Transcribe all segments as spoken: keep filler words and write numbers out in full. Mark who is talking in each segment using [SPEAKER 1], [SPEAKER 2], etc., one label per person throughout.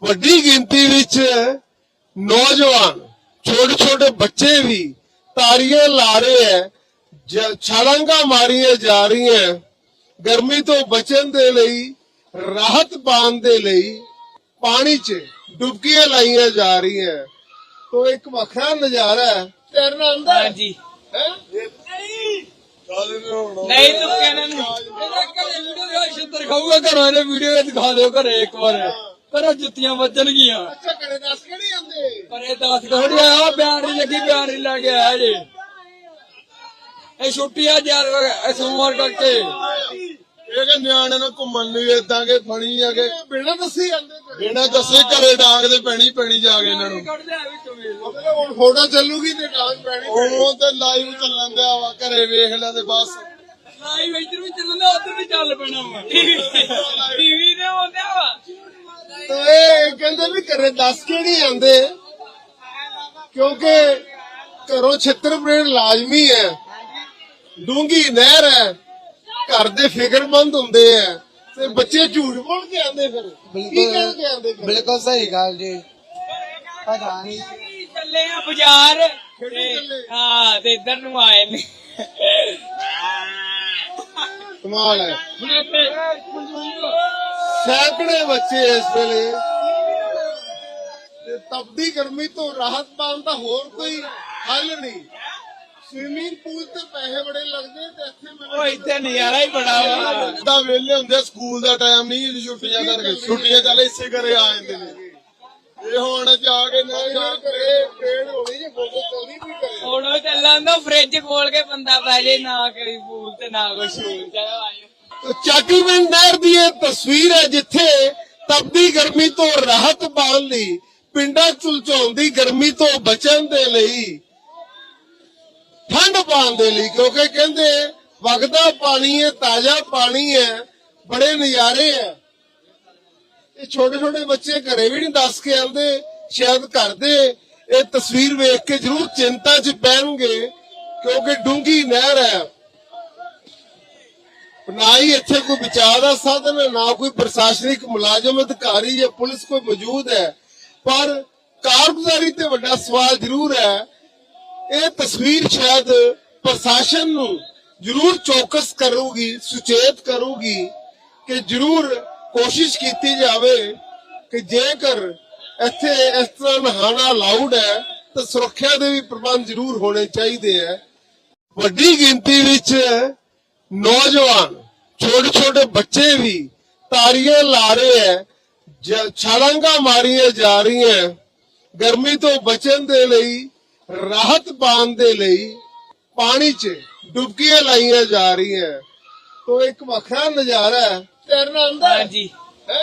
[SPEAKER 1] ਵੱਡੀ ਗਿਣਤੀ ਵਿੱਚ ਨੌਜਵਾਨ ਛੋਟੇ ਛੋਟੇ ਬੱਚੇ ਵੀ ਤਾਰੀਆਂ ਲਾ ਰਹੇ ਹੈ, ਛਲਾਂਗਾ ਮਾਰੀਆਂ ਜਾ ਰਹੀਆਂ ਗਰਮੀ ਤੋਂ ਬਚਣ ਦੇ ਲਈ, ਰਾਹਤ ਪਾਉਣ ਦੇ ਲਈ ਪਾਣੀ 'ਚ ਡੁਬਕੀਆਂ ਲਾਈਆਂ ਜਾ ਰਹੀਆਂ। तो एक वखरा नजारा है। तैरना आंदा है?
[SPEAKER 2] हाँ जी।
[SPEAKER 1] हैं?
[SPEAKER 2] नहीं तो कहना नहीं। ਇਹਦਾ ਘਰੇ ਵੀਡੀਓ ਦਿਖਾ ਛਿੱਤਰ ਖਾਊਗਾ ਘਰੋਂ ਇਹਨੇ ਵੀਡੀਓ ਦਿਖਾ ਦਿਓ ਘਰੇ ਇੱਕ ਵਾਰ ਘਰੋਂ ਜੁੱਤੀਆਂ ਵੱਜਣਗੀਆਂ।
[SPEAKER 1] अच्छा घरे दस के नहीं आंदे?
[SPEAKER 2] ਪਰ ਇਹ ਦੱਸ ਥੋੜੀ ਆ ਬਿਆਨ ਨਹੀਂ ਲੱਗੀ ਬਿਆਨ ਨਹੀਂ ਲਾ ਕੇ ਆਇਆ ਜੀ। ਇਹ ਛੁੱਟੀ ਆ ਯਾਰ ਸੋਮਵਾਰ ਕਰਕੇ।
[SPEAKER 1] ਇਹ ਕਿ ਨਿਆਣੇ ਨੂੰ ਘੁੰਮਣ ਲਈ ਏਦਾਂ ਕੇ ਫਣੀ ਆ ਕੇ ਬਿਨਾਂ ਦੱਸੇ ਆਂਦੇ ਬਿਨਾਂ ਦੱਸੇ ਘਰੇ ਡਾਂਗ ਦੇ ਪੈਣੀ ਪੈਣੀ ਜਾ ਕੇ ਇਹਨਾਂ ਨੂੰ। ਮਤਲਬ ਹੁਣ ਫੋਟੋ ਚੱਲੂਗੀ ਤੇ ਡਾਂਗ ਪੈਣੀ ਉਹ ਤੇ ਲਾਈਵ ਚੱਲਣ ਦਿਆ ਵਾ ਘਰੇ ਵੇਖ ਲੈ ਤੇ ਬਸ
[SPEAKER 2] ਲਾਈਵ ਇੱਧਰ ਵੀ ਚੱਲਦਾ ਉੱਧਰ ਵੀ ਚੱਲ ਪੈਣਾ ਵਾ ਟੀਵੀ ਤੇ ਆਉਂਦਾ ਵਾ।
[SPEAKER 1] ਤੇ ਇਹ ਕਹਿੰਦੇ ਵੀ ਘਰੇ ਦੱਸ ਕੇ ਨਹੀਂ ਆਂਦੇ ਕਿਉਂਕਿ ਘਰੋਂ ਛਿੱਤਰ ਪ੍ਰੇਡ ਲਾਜ਼ਮੀ ਹੈ, ਡੂੰਗੀ ਨਹਿਰ ਹੈ, घर दे फिक्रमंद होंदे है ते बच्चे झूठ बोल के आंदे फिर की कह के आंदे
[SPEAKER 3] बिल्कुल सही गल जी। पता नहीं
[SPEAKER 2] ਚੱਲੇ ਆ ਬਾਜ਼ਾਰ ਹਾਂ ਤੇ ਇੱਧਰ ਨੂੰ ਆਏ ਨੇ।
[SPEAKER 1] कमाल है। सैकड़े बच्चे इस वेले ते तपदी गर्मी तो राहत पाउण दा होर कोई हल नहीं। स्विमिंग पूल ते पैसे बड़े लगदे ते इत्थे
[SPEAKER 2] ਉਹ ਇੱਥੇ ਨਜ਼ਾਰਾ ਹੀ ਬੜਾ ਵਾ।
[SPEAKER 1] ਦਾ ਵੇਲੇ ਹੁੰਦੇ ਸਕੂਲ ਦਾ ਟਾਈਮ ਨਹੀਂ ਛੁੱਟੀਆਂ ਕਰਕੇ ਛੁੱਟੀਆਂ ਚੱਲ ਇਸੇ ਘਰੇ ਆ ਜਾਂਦੇ ਨੇ। ਇਹ ਹੁਣ ਜਾ ਕੇ ਨਾ ਕਰੇ ਪੇੜ ਹੋਣੀ ਜੇ ਫੋਟੋ ਚੱਲਦੀ ਵੀ ਕਰੇ
[SPEAKER 2] ਹੁਣ ਚੱਲਾਂ ਦਾ ਫ੍ਰਿਜ ਖੋਲ ਕੇ ਬੰਦਾ ਪੈ ਜੇ ਨਾ ਕਰੀ ਪੂਲ ਤੇ ਨਾ ਕੋਈ ਸ਼ੂਲ ਚਲੋ ਆਇਓ।
[SPEAKER 1] ਚਾਟੀਵਿੰਡ ਨਹਿਰ ਦੀ ਇਹ ਤਸਵੀਰ ਹੈ ਜਿੱਥੇ ਤਪਦੀ ਗਰਮੀ ਤੋਂ ਰਾਹਤ ਪਾਉਣ ਲਈ, ਪਿੰਡਾਂ ਝੁਲਝਾਉਂਦੀ ਗਰਮੀ ਤੋਂ ਬਚਣ ਦੇ ਲਈ, ਠੰਡ ਪਾਉਣ ਦੇ ਲਈ, ਕਿਉਂਕਿ ਕਹਿੰਦੇ ਵਗਦਾ ਪਾਣੀ ਹੈ, ਤਾਜ਼ਾ ਪਾਣੀ ਹੈ, ਬੜੇ ਨਜ਼ਾਰੇ ਹੈ। ਇਹ ਛੋਟੇ ਛੋਟੇ ਬੱਚੇ ਘਰੇ ਵੀ ਨਹੀਂ ਦੱਸ ਕੇ ਆਉਂਦੇ, ਸ਼ਾਇਦ ਘਰ ਦੇ ਇਹ ਤਸਵੀਰ ਵੇਖ ਕੇ ਜ਼ਰੂਰ ਚਿੰਤਾ 'ਚ ਪੈਣਗੇ ਕਿਉਂਕਿ ਡੂੰਗੀ ਨਹਿਰ ਹੈ। ਨਾ ਹੀ ਇੱਥੇ ਕੋਈ ਬਚਾਅ ਦਾ ਸਾਧਨ ਹੈ, ਨਾ ਕੋਈ ਪ੍ਰਸ਼ਾਸਨਿਕ ਮੁਲਾਜ਼ਮ ਅਧਿਕਾਰੀ ਜਾਂ ਪੁਲਿਸ ਕੋਈ ਮੌਜੂਦ ਹੈ, ਪਰ ਕਾਰਗੁਜ਼ਾਰੀ ਤੇ ਵੱਡਾ ਸਵਾਲ ਜ਼ਰੂਰ ਹੈ। ਇਹ ਤਸਵੀਰ ਸ਼ਾਇਦ ਪ੍ਰਸ਼ਾਸਨ ਨੂੰ ਜ਼ਰੂਰ ਚੌਕਸ ਕਰੂਗੀ, ਸੁਚੇਤ ਕਰੂਗੀ ਕਿ ਜ਼ਰੂਰ ਕੋਸ਼ਿਸ਼ ਕੀਤੀ ਜਾਵੇ ਕਿ ਜੇਕਰ ਇੱਥੇ ਇਸ ਤਰ੍ਹਾਂ ਨਹਾਣਾ ਅਲਾਉਡ ਹੈ ਤਾਂ ਸੁਰੱਖਿਆ ਦੇ ਵੀ ਪ੍ਰਬੰਧ ਜ਼ਰੂਰ ਹੋਣੇ ਚਾਹੀਦੇ ਹੈ। ਵੱਡੀ ਗਿਣਤੀ ਵਿੱਚ ਨੌਜਵਾਨ ਛੋਟੇ ਛੋਟੇ ਬੱਚੇ ਵੀ ਤਾਰੀਆਂ ਲਾ ਰਹੇ ਹੈ, ਛਲਾਂਗਾ ਮਾਰੀਆਂ ਜਾ ਰਹੀਆਂ ਗਰਮੀ ਤੋਂ ਬਚਣ ਦੇ ਲਈ, ਰਾਹਤ ਪਾਉਣ ਦੇ ਲਈ ਪਾਣੀ 'ਚ ਡੁਬਕੀਆਂ ਲਾਈਆਂ ਜਾ ਰਹੀਆਂ। तो एक वखरा नजारा है। तैरना आंदा है?
[SPEAKER 2] हाँ जी।
[SPEAKER 1] हैं?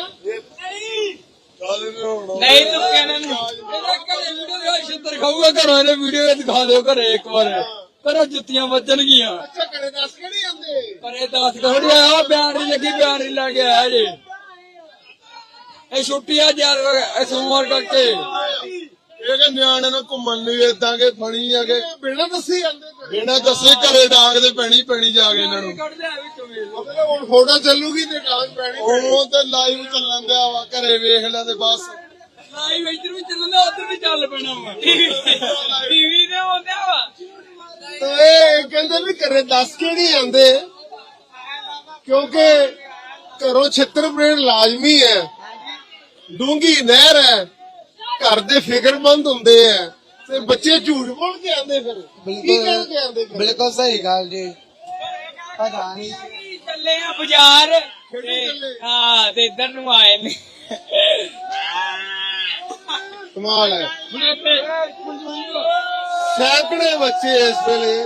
[SPEAKER 2] नहीं तो कहना नहीं। ਇਹਦਾ ਘਰੇ ਵੀਡੀਓ ਦਿਖਾ ਛਿੱਤਰ ਖਾਊਗਾ ਘਰੋਂ ਇਹਨੇ ਵੀਡੀਓ ਦਿਖਾ ਦਿਓ ਘਰੇ ਇੱਕ ਵਾਰ ਘਰੋਂ ਜੁੱਤੀਆਂ ਵੱਜਣਗੀਆਂ।
[SPEAKER 1] अच्छा घरे दस के नहीं आंदे?
[SPEAKER 2] ਪਰ ਇਹ ਦੱਸ ਥੋੜੀ ਆ ਬਿਆਨ ਨਹੀਂ ਲੱਗੀ ਬਿਆਨ ਨਹੀਂ ਲਾ ਕੇ ਆਇਆ ਜੀ। ਇਹ ਛੁੱਟੀ ਆ ਯਾਰ ਸੋਮਵਾਰ ਕਰਕੇ।
[SPEAKER 1] ਇਹ ਕਿ ਨਿਆਣੇ ਨੂੰ ਘੁੰਮਣ ਲਈ ਏਦਾਂ ਕੇ ਫਣੀ ਆ ਕੇ ਬਿਨਾਂ ਦੱਸੇ ਆਂਦੇ ਬਿਨਾਂ ਦੱਸੇ ਘਰੇ ਡਾਂਗ ਦੇ ਪੈਣੀ ਪੈਣੀ ਜਾ ਕੇ ਇਹਨਾਂ ਨੂੰ। ਮਤਲਬ ਹੁਣ ਫੋਟੋ ਚੱਲੂਗੀ ਤੇ ਡਾਂਗ ਪੈਣੀ ਉਹ ਤੇ ਲਾਈਵ ਚੱਲਣ ਦਿਆ ਵਾ ਘਰੇ ਵੇਖ ਲੈ ਤੇ ਬਸ
[SPEAKER 2] ਲਾਈਵ ਇੱਧਰ ਵੀ ਚੱਲਦਾ ਉੱਧਰ ਵੀ ਚੱਲ ਪੈਣਾ ਵਾ ਟੀਵੀ ਤੇ ਆਉਂਦਾ ਵਾ।
[SPEAKER 1] ਤੇ ਇਹ ਕਹਿੰਦੇ ਵੀ ਘਰੇ ਦੱਸ ਕੇ ਨਹੀਂ ਆਂਦੇ ਕਿਉਂਕਿ ਘਰੋਂ ਛਿੱਤਰ ਪ੍ਰੇਡ ਲਾਜ਼ਮੀ ਹੈ, ਡੂੰਗੀ ਨਹਿਰ ਹੈ, घर दे फिक्रमंद होंदे है ते बच्चे झूठ बोल के आंदे फिर की कह के आंदे
[SPEAKER 3] बिल्कुल सही गल जी। पता नहीं
[SPEAKER 2] ਚੱਲੇ ਆ ਬਾਜ਼ਾਰ ਹਾਂ ਤੇ ਇੱਧਰ ਨੂੰ ਆਏ ਨੇ।
[SPEAKER 1] कमाल है। सैकड़े बच्चे इस वेले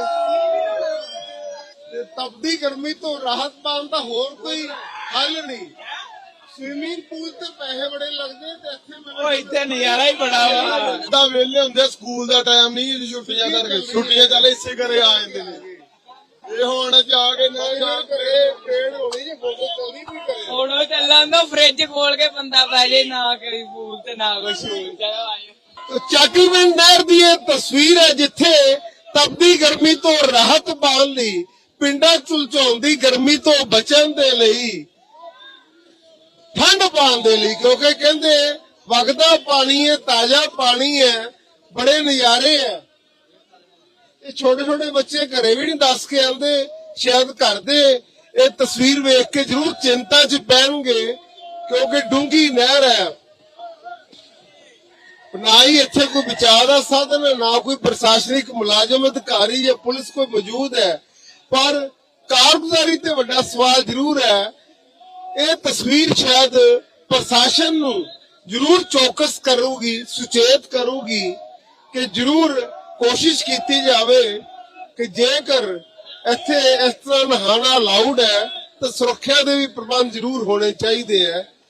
[SPEAKER 1] तपदी गर्मी तो राहत पाउण दा होर कोई हल नहीं। स्विमिंग पूल ते पैसे बड़े लगदे ते इत्थे
[SPEAKER 2] ਉਹ ਇੱਥੇ ਨਜ਼ਾਰਾ ਹੀ ਬੜਾ ਵਾ।
[SPEAKER 1] ਦਾ ਵੇਲੇ ਹੁੰਦੇ ਸਕੂਲ ਦਾ ਟਾਈਮ ਨਹੀਂ ਛੁੱਟੀਆਂ ਕਰਕੇ ਛੁੱਟੀਆਂ ਚੱਲ ਇਸੇ ਘਰੇ ਆ ਜਾਂਦੇ ਨੇ। ਇਹ ਹੁਣ ਜਾ ਕੇ ਨਾ ਕਰੇ ਪੇੜ ਹੋਣੀ ਜੇ ਫੋਟੋ ਚੱਲਦੀ ਵੀ ਕਰੇ
[SPEAKER 2] ਹੁਣ ਚੱਲਾਂ ਦਾ ਫ੍ਰਿਜ ਖੋਲ ਕੇ ਬੰਦਾ ਪੈ ਜੇ ਨਾ ਕਰੀ ਪੂਲ ਤੇ ਨਾ ਕੋਈ ਸ਼ੂਲ ਚਲੋ ਆਇਓ।
[SPEAKER 1] ਚਾਟੀਵਿੰਡ ਨਹਿਰ ਦੀ ਇਹ ਤਸਵੀਰ ਹੈ ਜਿੱਥੇ ਤਪਦੀ ਗਰਮੀ ਤੋਂ ਰਾਹਤ ਪਾਉਣ ਲਈ, ਪਿੰਡਾਂ ਝੁਲਝਾਉਂਦੀ ਗਰਮੀ ਤੋਂ ਬਚਣ ਦੇ ਲਈ, ਠੰਡ ਪਾਉਣ ਦੇ ਲਈ, ਕਿਉਂਕਿ ਕਹਿੰਦੇ ਵਗਦਾ ਪਾਣੀ ਹੈ, ਤਾਜ਼ਾ ਪਾਣੀ ਹੈ, ਬੜੇ ਨਜ਼ਾਰੇ ਹੈ। ਇਹ ਛੋਟੇ ਛੋਟੇ ਬੱਚੇ ਘਰੇ ਵੀ ਨਹੀਂ ਦੱਸ ਕੇ ਆਉਂਦੇ, ਸ਼ਾਇਦ ਘਰ ਦੇ ਇਹ ਤਸਵੀਰ ਵੇਖ ਕੇ ਜ਼ਰੂਰ ਚਿੰਤਾ 'ਚ ਪੈਣਗੇ, ਕਿਉਂਕਿ ਡੂੰਘੀ ਨਹਿਰ ਹੈ। ਨਾ ਹੀ ਇੱਥੇ ਕੋਈ ਬਚਾਅ ਦਾ ਸਾਧਨ ਹੈ, ਨਾ ਕੋਈ ਪ੍ਰਸ਼ਾਸਨਿਕ ਮੁਲਾਜ਼ਮ ਅਧਿਕਾਰੀ ਜਾਂ ਪੁਲਿਸ ਕੋਈ ਮੌਜੂਦ ਹੈ, ਪਰ ਕਾਰਗੁਜ਼ਾਰੀ ਤੇ ਵੱਡਾ ਸਵਾਲ ਜ਼ਰੂਰ ਹੈ। ਇਹ ਤਸਵੀਰ ਸ਼ਾਇਦ ਪ੍ਰਸ਼ਾਸਨ ਨੂੰ ਜ਼ਰੂਰ ਚੌਕਸ ਕਰੂਗੀ, ਸੁਚੇਤ ਕਰੂਗੀ ਕਿ ਜ਼ਰੂਰ ਕੋਸ਼ਿਸ਼ ਕੀਤੀ ਜਾਵੇ ਕਿ ਜੇਕਰ ਇੱਥੇ ਇਸ ਤਰ੍ਹਾਂ ਨਹਾਣਾ ਅਲਾਉਡ ਹੈ ਤਾਂ ਸੁਰੱਖਿਆ ਦੇ ਵੀ ਪ੍ਰਬੰਧ ਜ਼ਰੂਰ ਹੋਣੇ ਚਾਹੀਦੇ ਹੈ।